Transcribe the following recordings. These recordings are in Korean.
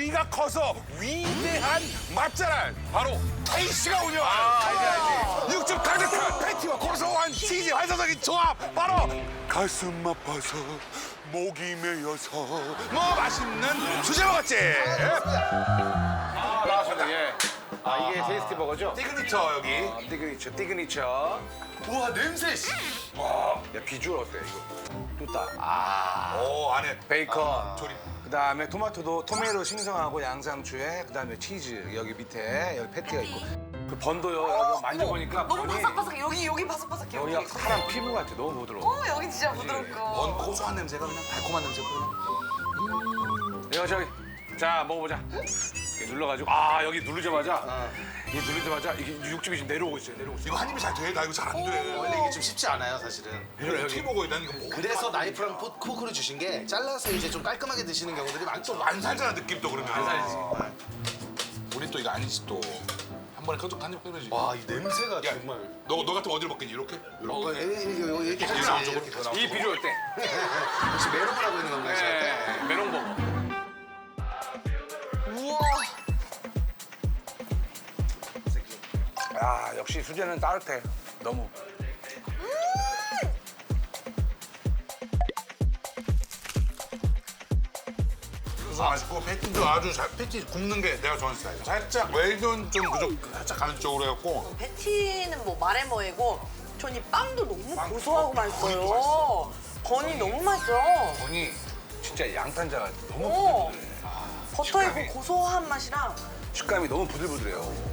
사이가 커서 위대한 맛자랄 바로 K씨가 운영하는 육즙 가득한 패티와 고소한 치즈 환상적인 조합 바로 가슴 아파서 목이 메여서 뭐 맛있는 수제버거집 나왔습니다. 예. 이게 테이스티 버거죠? 시그니처 여기 띠그니처. 우와 냄새. 야, 비주얼 어때, 이거? 뚜따. 오 안에 베이컨. 조림 그다음에 토마토도 토메로 생성하고 양상추에 그다음에 치즈 여기 밑에 여기 패티가 있고 그 번도요 여러분 만져보니까 너무 번이 바삭바삭해. 여기 바삭바삭해. 여기가 사람 피부 같아. 너무 부드러워. 여기 진짜 부드럽고. 먼 고소한 냄새가 그냥 달콤한 냄새가 그냥 이거 저기 자 먹어보자. 이렇게 눌러가지고 여기 누르자마자 이게 육즙이 지금 내려오고 있어요. 이거 한 입이 잘 돼? 나 이거 잘 안 돼. 원래 이게 좀 쉽지 않아요 사실은. 이거 어떻게 먹어야 돼? 난 이거 뭐 그래서 나이프랑 포크를 주신 게 잘라서 이제 좀 깔끔하게 드시는 경우들이 많죠. 안 살잖아 느낌 또 그러면. 안 살지. 우리 또 이거 아니지 또. 한 번에 한입 끊어지. 와 이 냄새가 야, 정말. 너 같으면 어디를 먹겠니? 이렇게? 이렇게 이렇게 같이 나오죠, 이렇게 그렇게 같이. 이 비주얼 어때? 혹시 메론을 하고 있는 건가요? 네, 메론 버거. 우와. 야 역시 수제는 따뜻해. 너무. 맛있고 패티도 아주 잘 패티 굽는 게 내가 좋아하는 스타일이야. 살짝 웰던 좀 그쪽 살짝 가는 쪽으로 해갖고 패티는 뭐 말해 뭐이고 전 이 빵도 너무 고소하고 빵도 맛있어요. 건이 너무 맛있어요. 건이 진짜 양탄자가 너무 오. 부들부들해. 버터의 식감이. 그 고소한 맛이랑 식감이 너무 부들부들해요.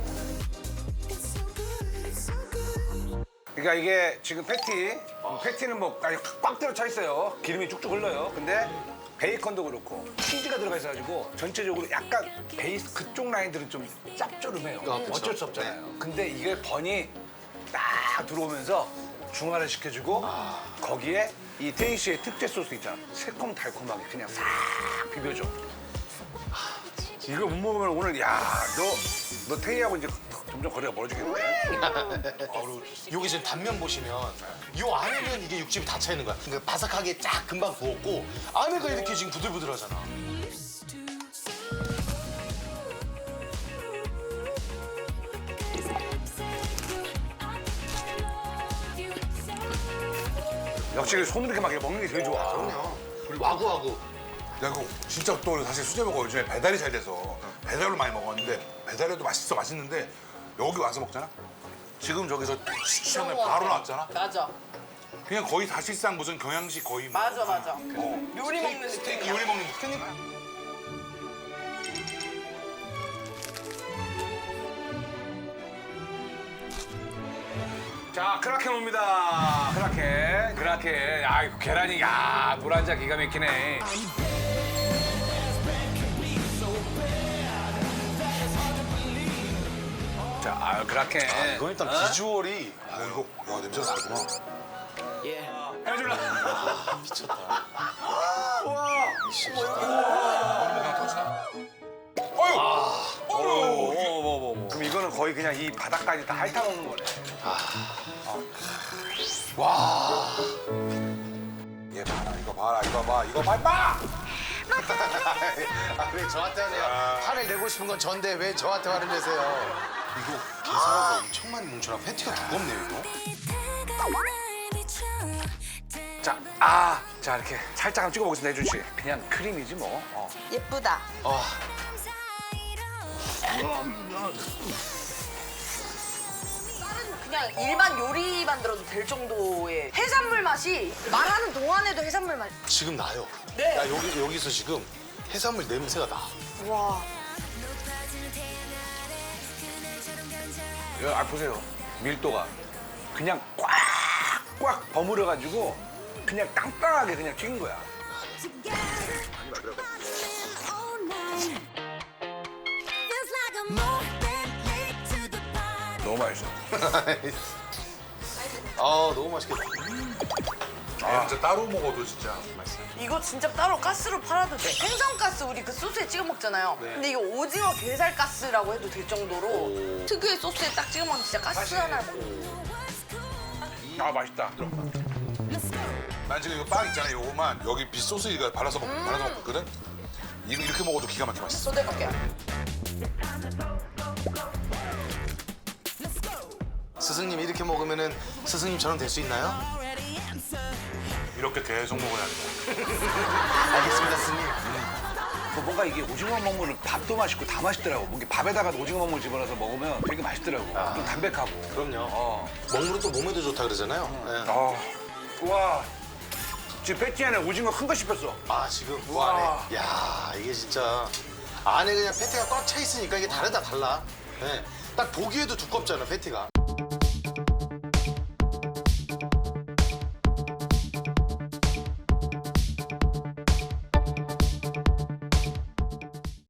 그러니까 이게 지금 패티는 뭐 아주 꽉 들어차 있어요. 기름이 쭉쭉 흘러요. 근데 베이컨도 그렇고 치즈가 들어가 있어가지고 전체적으로 약간 베이스 그쪽 라인들은 좀 짭조름해요. 그쵸. 어쩔 수 없잖아요. 근데 이게 번이 딱 들어오면서 중화를 시켜주고 거기에 이 테이시의 특제 소스 있잖아. 새콤달콤하게 그냥 싹 비벼줘. 이거 못 먹으면 오늘 너 테이하고 이제 점점 거리가 멀어지겠네. 여기 지금 단면 보시면 요 안에는 이게 육즙이 다 차 있는 거야. 그러니까 바삭하게 쫙 금방 구웠고 안에가 이렇게 지금 부들부들하잖아. 역시 손 이렇게 막 먹는 게 제일 좋아. 그리고 와구와구. 야 이거 진짜 또 사실 수제버거 요즘에 배달이 잘 돼서 배달로 많이 먹었는데 배달해도 맛있는데 여기 와서 먹잖아? 지금 저기서 시청에 바로 나왔잖아? 맞아. 그냥 거의 사실상 무슨 경양식 거의 뭐. 맞아. 어. 요리 먹는 스테이크 느낌이야. 요리 먹는 느낌. 자, 크라켄 옵니다. 크라켄. 야, 이거 계란이, 노란자 기가 막히네. 자, 크라켄. 이건 일단 비주얼이 야 이거 와 냄새가 나구나. 해줄라. 미쳤다. 그냥 터지나? 어휴. 그럼 이거는 거의 그냥 이 바닥까지 다 핥아먹는 거네. 얘 봐라 이거 봐. 왜 저한테 하세요? 화를 내고 싶은 건 전데 왜 저한테 화를 내세요? 이거 게살하고 엄청 많이 뭉쳐나 패티가 두껍네요 이거. 자, 이렇게 살짝 한번 찍어보겠습니다, 혜준 씨. 그냥 크림이지 뭐. 예쁘다. 그냥 일반 요리 만들어도 될 정도의 해산물 맛이 말하는 동안에도 해산물 맛. 지금 나요. 네. 야 여기서 지금 해산물 냄새가 나. 와. 보세요. 밀도가 그냥 꽉 버무려가지고 그냥 땅땅하게 그냥 튀긴 거야. 너무 맛있어. 너무 맛있겠다. 얘는 진짜 따로 먹어도 진짜 맛있어. 이거 진짜 따로 가스로 팔아도 돼. 생선가스 우리 그 소스에 찍어 먹잖아요. 근데 이거 오징어 게살 가스라고 해도 될 정도로 특유의 소스에 딱 찍어 먹으면 진짜 가스 하나. 맛있다. 난 지금 이거 빵 있잖아 요거만 여기 비소스 이거 발라서 먹거든. 이거 이렇게 먹어도 기가 막히게 맛있어. 소대밖에. 스승님 이렇게 먹으면은 스승님처럼 될 수 있나요? 이렇게 계속 먹어야 돼. 알겠습니다, 스승님. 뭔가 이게 오징어 먹물을 밥도 맛있고 다 맛있더라고. 뭔가 밥에다가 오징어 먹물 집어넣어서 먹으면 되게 맛있더라고. 좀 담백하고. 그럼요. 먹물은 또 몸에도 좋다 그러잖아요. 네. 와. 지금 패티 안에 오징어 큰 거 씹혔어. 아 지금 그 안에. 야 이게 진짜 안에 그냥 패티가 꽉 차 있으니까 이게 달라. 네. 딱 보기에도 두껍잖아 패티가.